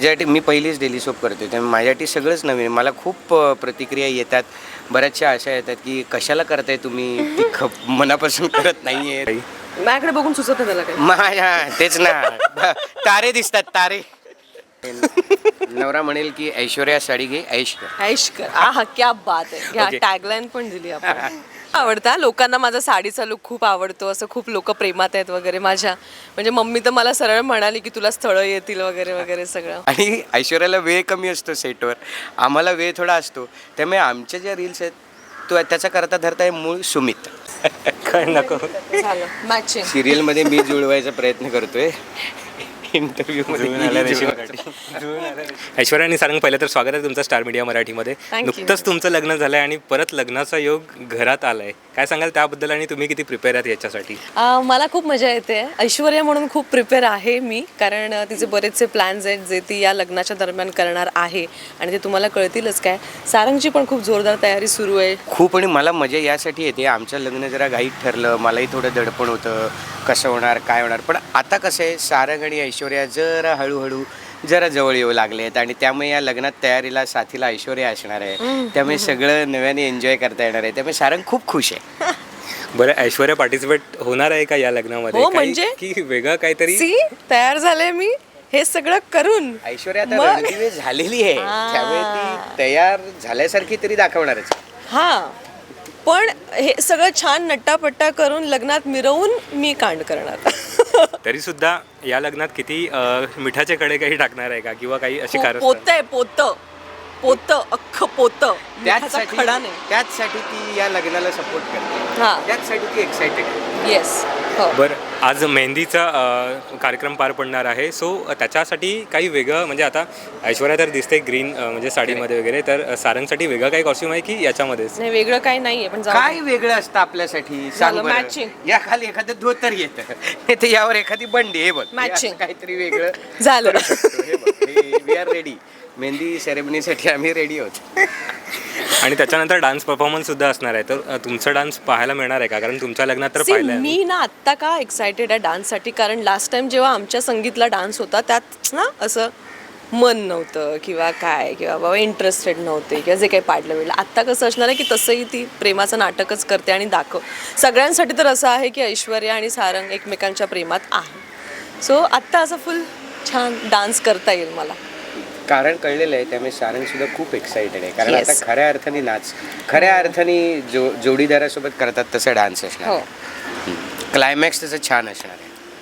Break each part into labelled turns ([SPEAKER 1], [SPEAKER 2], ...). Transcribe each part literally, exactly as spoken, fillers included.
[SPEAKER 1] माझ्यासाठी मी पहिलीच daily soap करतो त्यामुळे माझ्यासाठी सगळंच नवीन. मला खूप अ, प्रतिक्रिया येतात, बऱ्याचशा अशा येतात की कशाला करताय तुम्ही, ती खप मनापासून करत नाही आहे.
[SPEAKER 2] माझ्याकडे बघून सुचत नाही त्याला काही.
[SPEAKER 1] माझ्या तेच ना, ब- तारे दिसतात तारे. नवरा म्हणेल की ऐश्वर्या साडी घे, ऐश कर.
[SPEAKER 2] ऐश कर. आहा क्या बात आहे. ह्या
[SPEAKER 1] Okay.
[SPEAKER 2] टॅगलाईन पण दिली आपण. आवडता लोकांना माझा साडीचा लुक खूप आवडतो, असं खूप लोक प्रेमात आहेत वगैरे माझ्या. म्हणजे मम्मी तर मला सरळ म्हणाली की तुला स्थळं येतील वगैरे वगैरे सगळं.
[SPEAKER 1] आणि ऐश्वर्याला वेळ कमी असतो सेटवर, आम्हाला वेळ थोडा असतो, त्यामुळे आमच्या ज्या रील्स आहेत तो त्याचा करता धरता आहे मूळ सुमित. काय नको
[SPEAKER 2] झालं मॅचिंग.
[SPEAKER 1] सिरियलमध्ये मी जुळवायचा प्रयत्न करतोय, इंटरव्ह्यू.
[SPEAKER 3] ऐश्वर्या आणि सारंग, पहिलं तर स्वागत आहे तुमचं स्टार मीडिया मराठीमध्ये.
[SPEAKER 2] Thank you.
[SPEAKER 3] नुकतंच तुमचं लग्न झालंय आणि परत लग्नाचा योग घरात आलाय. काय सांगाल त्याबद्दल आणि तुम्ही किती प्रिपेअर आहात याच्यासाठी?
[SPEAKER 2] आ, मला खूप मजा येते. ऐश्वर्या म्हणून खूप प्रिपेअर आहे मी, कारण अ, तिचे बरेचसे प्लॅन्स आहेत जे ती या लग्नाच्या दरम्यान करणार आहे आणि ते तुम्हाला कळतीलच. काय सारंगची पण खूप जोरदार तयारी सुरू आहे.
[SPEAKER 1] खूप. आणि मला मजा यासाठी येते, आमचं लग्न जरा घाईत ठरलं, मलाही थोडं दडपण होतं कसं होणार काय होणार. पण आता कसं आहे, सारंग आणि ऐश्वर्या जरा हळूहळू जरा जवळ येऊ लागले आहेत आणि त्यामुळे या लग्नात तयारीला साथीला ऐश्वर्या असणार आहे, त्यामुळे सगळं नव्याने एन्जॉय करता येणार आहे, त्यामुळे सारंग खूप खुश आहे.
[SPEAKER 3] बरं, ऐश्वर्या पार्टिसिपेट होणार आहे का या लग्नामध्ये?
[SPEAKER 2] हो,
[SPEAKER 3] काही-
[SPEAKER 2] म्हणजे?
[SPEAKER 3] की वेगळं काहीतरी?
[SPEAKER 2] सी तयार झाले मी हे सगळं करून.
[SPEAKER 1] ऐश्वर्या आता
[SPEAKER 2] मग?
[SPEAKER 1] रणदिवे झालेली आहे,
[SPEAKER 2] आ.
[SPEAKER 1] त्यामुळे ती तयार झाल्यासारखी तरी दाखवणारच.
[SPEAKER 2] हां, पण हे सगळं छान नट्टापट्टा करून लग्नात मिरवून मी कांड करणार.
[SPEAKER 3] तरी सुद्धा या लग्नात किती अं, मिठाचे कडे काही टाकणार आहे का, किंवा काही अशी कारण?
[SPEAKER 2] पोत आहे पोत पोत अख्खं पोत. मिठाचा
[SPEAKER 1] त्याचसाठी
[SPEAKER 2] खडा नाही.
[SPEAKER 1] त्याचसाठी ती या लग्नाला सपोर्ट करते,
[SPEAKER 2] हां.
[SPEAKER 1] त्याचसाठी ती एक्साइटेड आहे.
[SPEAKER 2] येस. हो.
[SPEAKER 3] बरं, आज मेहंदीचा अं, कार्यक्रम पार पडणार आहे, सो त्याच्यासाठी काही वेगळं, म्हणजे आता ऐश्वर्या तर दिसते ग्रीन म्हणजे साडीमध्ये वगैरे, तर सारंगसाठी वेगळं काही कॉस्ट्यूम आहे की याच्यामध्येच?
[SPEAKER 2] नाही, वेगळं काही नाहीये, पण जाऊ दे.
[SPEAKER 1] काय वेगळं असतं आपल्यासाठी सांग
[SPEAKER 2] झालं,
[SPEAKER 1] बरं.
[SPEAKER 2] matching.
[SPEAKER 1] या खाली एखादं धोतर येतं, नाही तर यावर एखादी बंडी, हे बघ हे
[SPEAKER 2] Matching.
[SPEAKER 1] असं काहीतरी वेगळं
[SPEAKER 2] झालं.
[SPEAKER 1] करू शकतो. हे बघ, वी आर रेडी. मेहंदी सेरेमनीसाठी आम्ही रेडी आहोत.
[SPEAKER 3] आणि त्याच्यानंतर डान्स परफॉर्मन्स सुद्धा असणार आहे, तर अ, तुमचा डान्स पाहायला मिळणार आहे का? कारण तुमच्या लग्नात तर
[SPEAKER 2] See,
[SPEAKER 3] पाहिलं
[SPEAKER 2] मी ना आत्ता का एक्सायटेड आहे डान्ससाठी, कारण लास्ट टाइम जेव्हा आमच्या संगीतला डान्स होता त्यात ना असं मन नव्हतं किंवा काय, किंवा बाबा इंटरेस्टेड नव्हते किंवा जे काही पाडलं मिळलं. आत्ता कसं असणार आहे की तसंही ती प्रेमाचं नाटकच करते आणि दाखव. सगळ्यांसाठी तर असं आहे की ऐश्वर्या आणि सारंग एकमेकांच्या प्रेमात आहे. सो आत्ता असं फुल छान डान्स करता येईल मला.
[SPEAKER 1] कारण कळलेलं आहे, त्यामुळे सारंग सुद्धा खूप एक्साइटेड आहे, कारण
[SPEAKER 2] Yes.
[SPEAKER 1] आता खऱ्या अर्थाने नाच, खऱ्या अर्थाने जो जोडीदारासोबत करतात तसं डान्स असणार
[SPEAKER 2] हो.
[SPEAKER 1] आहे. क्लायमॅक्स तसं छान असणार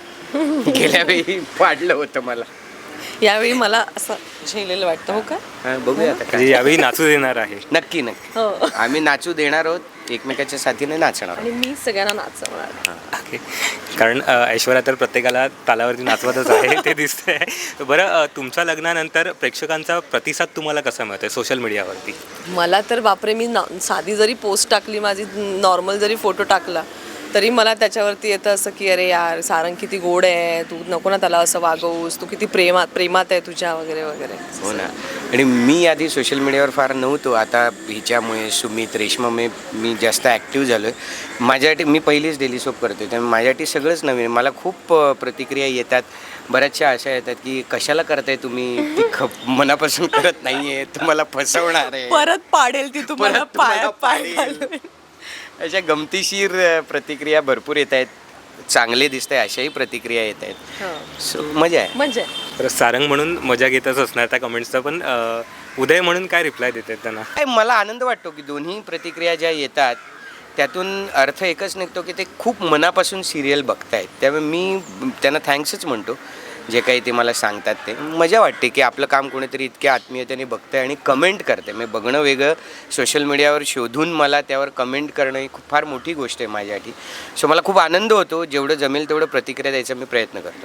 [SPEAKER 1] आहे. गेल्या वेळी पाडलं होतं मला.
[SPEAKER 2] यावेळी मला असं झेलेलं वाटतं. हो का?
[SPEAKER 1] हा, बघूया आता
[SPEAKER 3] म्हणजे
[SPEAKER 1] काय.
[SPEAKER 3] यावेळी नाचू देणार आहे.
[SPEAKER 1] नक्की नक्की
[SPEAKER 2] हो.
[SPEAKER 1] आम्ही नाचू देणार आहोत, एकमेकाच्या साथीने नाचणार आहोत.
[SPEAKER 2] आणि मी सगळ्यांना नाचवणार.
[SPEAKER 3] ओके, कारण अ, ऐश्वर्या तर प्रत्येकाला तालावरती नाचवतच आहे ते दिसतंय. बरं, अ, तुमच्या लग्नानंतर प्रेक्षकांचा प्रतिसाद तुम्हाला कसा मिळतोय सोशल मीडियावरती?
[SPEAKER 2] मला तर बापरे, मी ना साधी जरी पोस्ट टाकली, माझी नॉर्मल जरी फोटो टाकला तरी मला त्याच्यावरती येतं असं की अरे यार सारंग किती गोड आहे, तू नको ना त्याला असं वागवूस, तू किती प्रेमात प्रेमात आहे तुझ्या वगैरे वगैरे.
[SPEAKER 1] हो ना. आणि मी आधी सोशल मीडियावर फार नव्हतो, आता हिच्यामुळे सुमित रेश्मामुळे मी जास्त ॲक्टिव्ह झालो आहे. माझ्यासाठी मी पहिलीच डेली सोप करतो, त्यामुळे माझ्यासाठी सगळंच नवीन. मला खूप अ, प्रतिक्रिया येतात, बऱ्याचशा अशा येतात की कशाला करताय तुम्ही, ती खप मनापासून करत नाही आहे, तुम्हाला फसवणार आहे,
[SPEAKER 2] परत पाडेल ती तुम्हाला
[SPEAKER 1] परत तुम्हाला
[SPEAKER 2] पाया पाय
[SPEAKER 1] पाडेल.
[SPEAKER 2] घालून.
[SPEAKER 1] अशा गमतीशीर अ, प्रतिक्रिया भरपूर येत आहेत, चांगले दिसत आहे अशाही प्रतिक्रिया येत आहेत.
[SPEAKER 2] हं.
[SPEAKER 1] सो मजा आहे.
[SPEAKER 2] म्हणजे
[SPEAKER 3] तर सारंग म्हणून मजा घेतच असणार त्या कमेंट्सचा, पण अ, उदय म्हणून काय रिप्लाय देतात त्यांना?
[SPEAKER 1] काय मला आनंद वाटतो की दोन्ही प्रतिक्रिया ज्या येतात त्यातून अर्थ एकच निघतो की ते खूप मनापासून सिरियल बघतायत, त्यामुळे मी त्यांना थँक्सच म्हणतो. जे काही ते मला सांगतात ते मजा वाटते की आपलं काम कोणीतरी इतक्या आत्मीयतेने बघतं आहे आणि कमेंट करते. मी बघणं वेगळं, सोशल मीडियावर शोधून मला त्यावर कमेंट करणं ही खूप फार मोठी गोष्ट आहे माझ्यासाठी. सो मला खूप आनंद होतो, जेवढं जमेल तेवढं प्रतिक्रिया द्यायचा मी प्रयत्न करतो.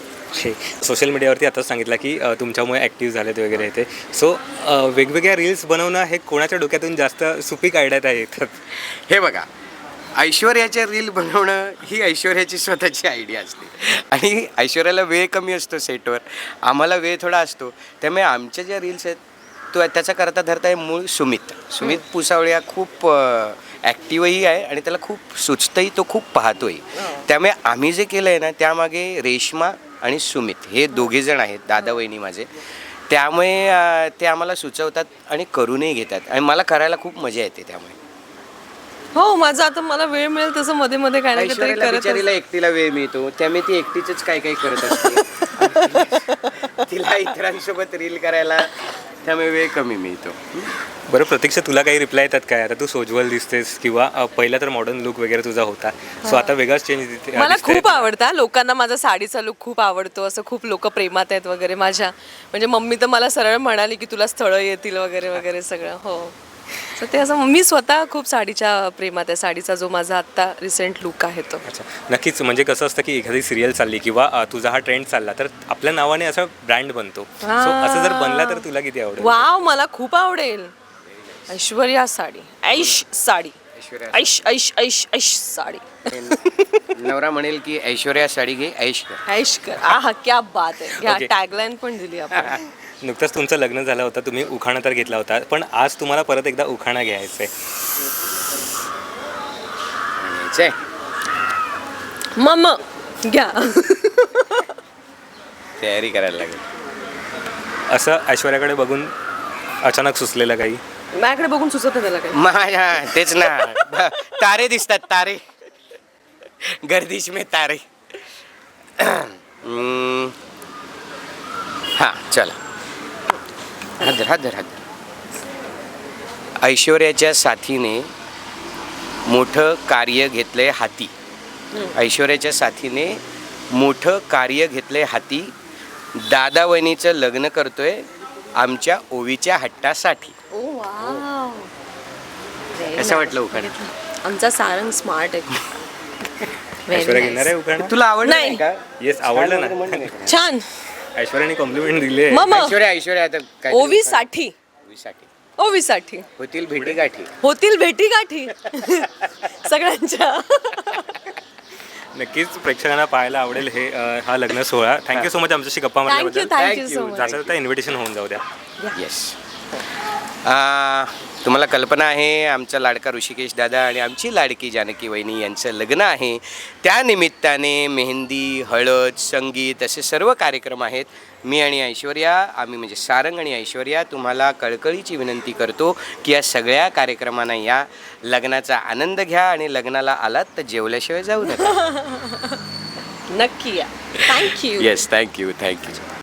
[SPEAKER 3] सोशल मीडियावरती आताच सांगितलं की अ, तुमच्यामुळे ॲक्टिव्ह झालेत वगैरे ते, सो वेगवेगळ्या रील्स बनवणं हे कोणाच्या डोक्यातून जास्त सुपीक आयडियात येतात?
[SPEAKER 1] हे बघा, ऐश्वर्याच्या रील बनवणं ही ऐश्वर्याची स्वतःची आयडिया असते आणि ऐश्वर्याला वेळ कमी असतो सेटवर, आम्हाला वेळ थोडा असतो, त्यामुळे आमच्या ज्या रील्स आहेत तो त्याचा करता धरता आहे मूळ सुमित. सुमित पुसावळे हा खूप ॲक्टिव्हही आहे आणि त्याला खूप सुचतंही, तो खूप पाहतोही. त्यामुळे आम्ही जे केलं आहे ना त्यामागे रेश्मा आणि सुमित हे दोघेजण आहेत, दादा वहिनी माझे, त्यामुळे अ, ते आम्हाला सुचवतात आणि करूनही घेतात आणि मला करायला खूप मजा येते त्यामुळे.
[SPEAKER 2] हो माझं आता मला वेळ मिळेल तसं मध्ये मध्ये काय ना काहीतरी
[SPEAKER 1] ऐश्वर्याला
[SPEAKER 2] करत
[SPEAKER 1] बिचारीला एकटीला वेळ मिळतो त्यामुळे ती एकटीच काय काय करत असते. तिला इतरांसोबत रील करायला त्यामुळे वेळ कमी मिळतो.
[SPEAKER 3] बरं प्रतीक्षा, तुला काही रिप्लाय येतात काय? आता तू सोज्वल दिसतेस किंवा अ, पहिला तर मॉडर्न लुक वगैरे तुझा होता, सो आता वेगळाच चेंज दिसते.
[SPEAKER 2] मला खूप आवडतं लोकांना माझा साडीचा लुक खूप आवडतो असं खूप लोक प्रेमात आहेत वगैरे माझ्या म्हणजे मम्मी तर मला सरळ म्हणाली की तुला स्थळं येतील वगैरे वगैरे सगळं हो तर ते असं मी स्वतः खूप साडीच्या प्रेमात आहे साडीचा जो माझा आत्ता रिसेंट लुक आहे तो.
[SPEAKER 3] अच्छा, नक्कीच. म्हणजे कसं असतं की एखादी सिरियल चालली किंवा अ, तुझा हा ट्रेंड चालला तर आपल्या नावाने असा ब्रँड बनतो. सो असं जर बनला तर तुला किती आवडेल?
[SPEAKER 2] वाव मला खूप आवडेल. ऐश्वर्या साडी ऐश साडी
[SPEAKER 1] ऐश्वर्या
[SPEAKER 2] ऐश ऐश ऐश ऐश साडी
[SPEAKER 1] नवरा म्हणेल की ऐश्वर्या साडी घे ऐश कर.
[SPEAKER 2] ऐश कर आहा क्या बात आहे ह्या
[SPEAKER 3] Okay.
[SPEAKER 2] टॅगलाईन पण दिली आपण.
[SPEAKER 3] नुकतंच तुमचं लग्न झालं होतं, तुम्ही उखाणा तर घेतला होता, पण आज तुम्हाला परत एकदा उखाणा घ्यायचा आहे.
[SPEAKER 1] चे,
[SPEAKER 2] मम घ्या.
[SPEAKER 1] तयारी करायला लागेल.
[SPEAKER 3] असं ऐश्वर्याकडे बघून अचानक सुचलेलं काही?
[SPEAKER 2] माझ्याकडे बघून सुचत नाही त्याला काही.
[SPEAKER 1] माझ्या तेच ना तारे दिसतात तारे गर्दिश में तारे. हम्म, हा चला हदर हदर हदर. ऐश्वर्याच्या साथीने मोठं कार्य घेतलंय हाती. ऐश्वर्याच्या साथीने मोठं कार्य घेतलंय हाती. दादा वहिनीचं लग्न करतोय आमच्या ओवीच्या हट्टासाठी.
[SPEAKER 2] ओ वाव.
[SPEAKER 1] कसं वाटलं उखाणं?
[SPEAKER 2] आमचा सारंग स्मार्ट आहे. Very
[SPEAKER 3] ऐश्वर्या घेणार आहे
[SPEAKER 2] nice.
[SPEAKER 3] उखाणा?
[SPEAKER 1] तुला आवडलं
[SPEAKER 2] नाही.
[SPEAKER 1] नाही का?
[SPEAKER 3] येस, आवडलं
[SPEAKER 1] छान म्हणून
[SPEAKER 3] ना.
[SPEAKER 1] नाही का?
[SPEAKER 2] छान.
[SPEAKER 3] ऐश्वर्याने कॉम्प्लिमेंट दिली आहे.
[SPEAKER 2] मम
[SPEAKER 1] ऐश्वर्या ऐश्वर्या आता काय
[SPEAKER 2] ओवी साठी
[SPEAKER 1] ओवीसाठी
[SPEAKER 2] ओवी साठी
[SPEAKER 1] होतील भेटी गाठी.
[SPEAKER 2] होतील भेटी गाठी सगळ्यांच्या.
[SPEAKER 3] नक्कीच प्रेक्षकांना पाहायला आवडेल हे अ, हा लग्न सोहळा. थँक्यू सो मच आमच्याशी गप्पा
[SPEAKER 2] thank you
[SPEAKER 3] मारल्याबद्दल.
[SPEAKER 2] Thank you
[SPEAKER 1] Thank
[SPEAKER 2] so
[SPEAKER 1] you.
[SPEAKER 2] Much.
[SPEAKER 3] जाता जाता इन्व्हिटेशन होऊन जाऊ द्या.
[SPEAKER 1] येस. तुम्हाला कल्पना आहे आमचा लाडका ऋषिकेश दादा आणि आमची लाडकी जानकी वहिनी यांचं लग्न आहे. त्या निमित्ताने मेहंदी, हळद, संगीत असे सर्व कार्यक्रम आहेत. मी आणि ऐश्वर्या आम्ही म्हणजे सारंग आणि ऐश्वर्या तुम्हाला कळकळीची विनंती करतो की या सगळ्या कार्यक्रमांना या, लग्नाचा आनंद घ्या आणि लग्नाला आलात तर जेवल्याशिवाय जाऊ नका.
[SPEAKER 2] नक्की या. थँक्यू.
[SPEAKER 1] Yes thank you thank you.